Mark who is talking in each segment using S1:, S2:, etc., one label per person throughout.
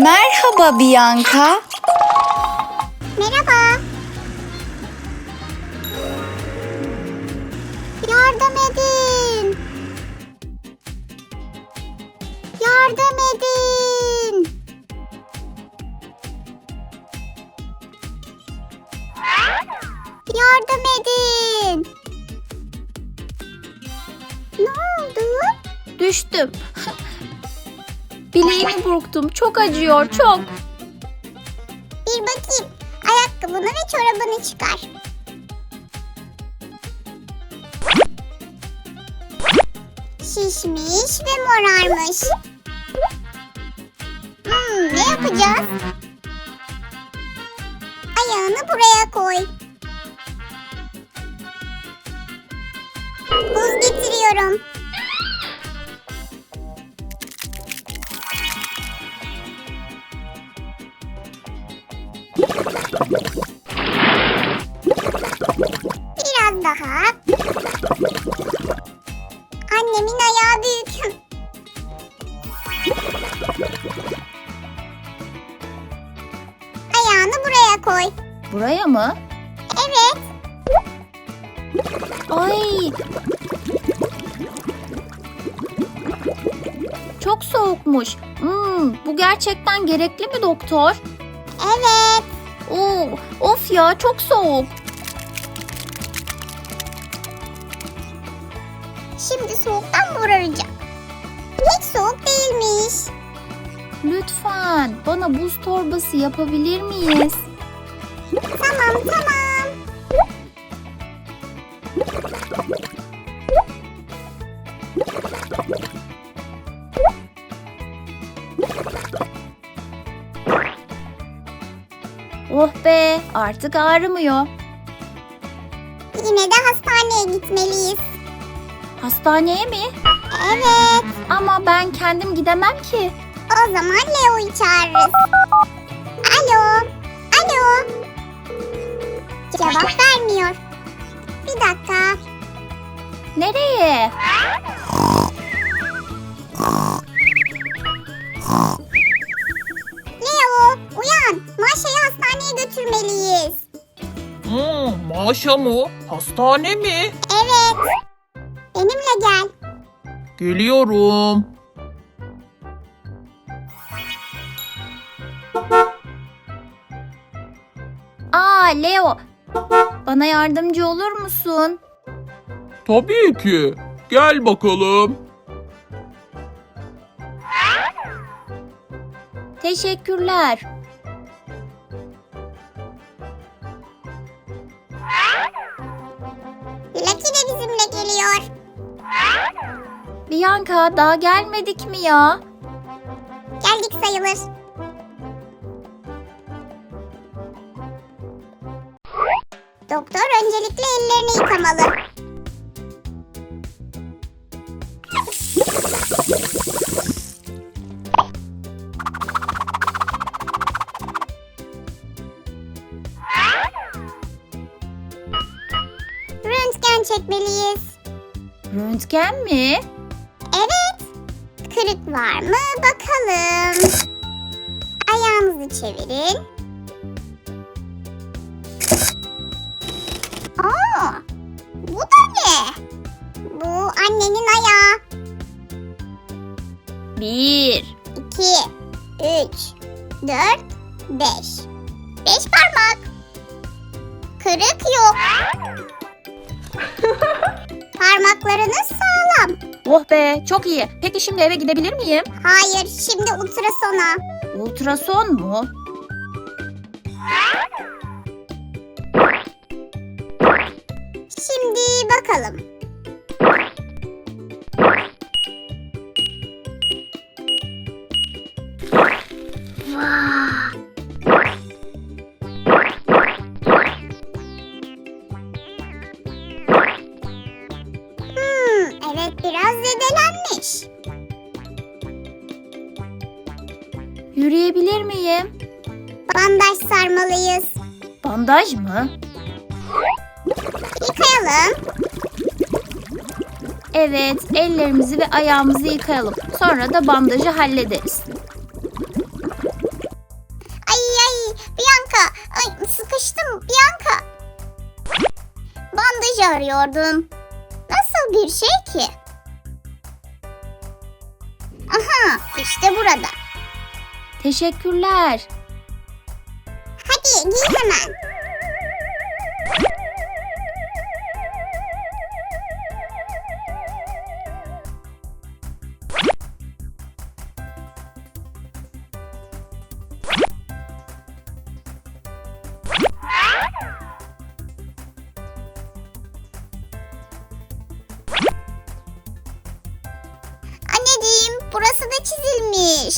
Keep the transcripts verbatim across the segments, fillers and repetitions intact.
S1: Merhaba Bianca.
S2: Merhaba. Yardım edin. Yardım edin. Yardım edin. Ne oldu?
S3: Düştüm. Bileğimi burktum. Çok acıyor, çok.
S2: Bir bakayım. Ayakkabını ve çorabını çıkar. Şişmiş ve morarmış. Hmm, ne yapacağız? Ayağını buraya koy. Buz getiriyorum. Biraz daha. Annemin ayağı büyük. Ayağını buraya koy.
S3: Buraya mı?
S2: Evet.
S3: Ay. Çok soğukmuş. Hmm, bu gerçekten gerekli mi doktor?
S2: Evet.
S3: Oo, of ya, çok soğuk.
S2: Şimdi soğuktan moraracak. Hiç soğuk değilmiş.
S3: Lütfen bana buz torbası yapabilir miyiz?
S2: Tamam tamam.
S3: Oh be, artık ağrımıyor.
S2: Yine de hastaneye gitmeliyiz.
S3: Hastaneye mi?
S2: Evet.
S3: Ama ben kendim gidemem ki.
S2: O zaman Leo'yu çağırırız. Alo. Alo. Cevap vermiyor. Bir dakika.
S3: Nereye?
S2: Leo, uyan. Maşa'yı hastaneye götürmeliyiz.
S4: Hmm, Maşa mı? Hastane mi?
S2: Evet. Benimle gel.
S4: Geliyorum.
S3: Aa, Leo. Bana yardımcı olur musun?
S4: Tabii ki. Gel bakalım.
S3: Teşekkürler.
S2: Lucky de bizimle geliyor.
S3: Bianca, daha gelmedik mi ya?
S2: Geldik sayılır. Doktor öncelikle ellerini yıkamalı. Röntgen çekmeliyiz.
S3: Röntgen mi?
S2: Evet. Kırık var mı bakalım. Ayağınızı çevirin. Aa, bu da ne? Bu annenin ayağı.
S3: Bir.
S2: İki, üç, dört, beş. Beş parmak. Kırık yok. Parmaklarınız sağlam.
S3: Oh be, çok iyi. Peki şimdi eve gidebilir miyim?
S2: Hayır, şimdi ultrasona.
S3: Ultrason mu?
S2: Şimdi bakalım. Hmm, evet biraz zedelenmiş.
S3: Yürüyebilir miyim?
S2: Bandaj sarmalıyız.
S3: Bandaj mı?
S2: Yıkayalım.
S3: Evet, ellerimizi ve ayağımızı yıkayalım. Sonra da bandajı hallederiz.
S2: dakika. Ay, sıkıştım Bianca. Bandaj arıyordum. Nasıl bir şey ki? Aha, işte burada.
S3: Teşekkürler.
S2: Hadi giy hemen. Anneciğim, burası da çizilmiş.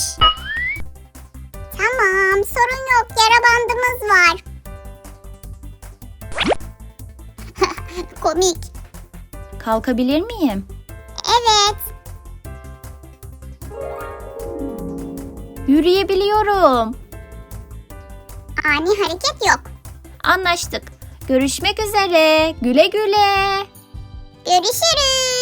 S2: Tamam, sorun yok. Yara bandımız var. Komik.
S3: Kalkabilir miyim?
S2: Evet.
S3: Yürüyebiliyorum.
S2: Ani hareket yok.
S3: Anlaştık. Görüşmek üzere. Güle güle.
S2: Görüşürüz.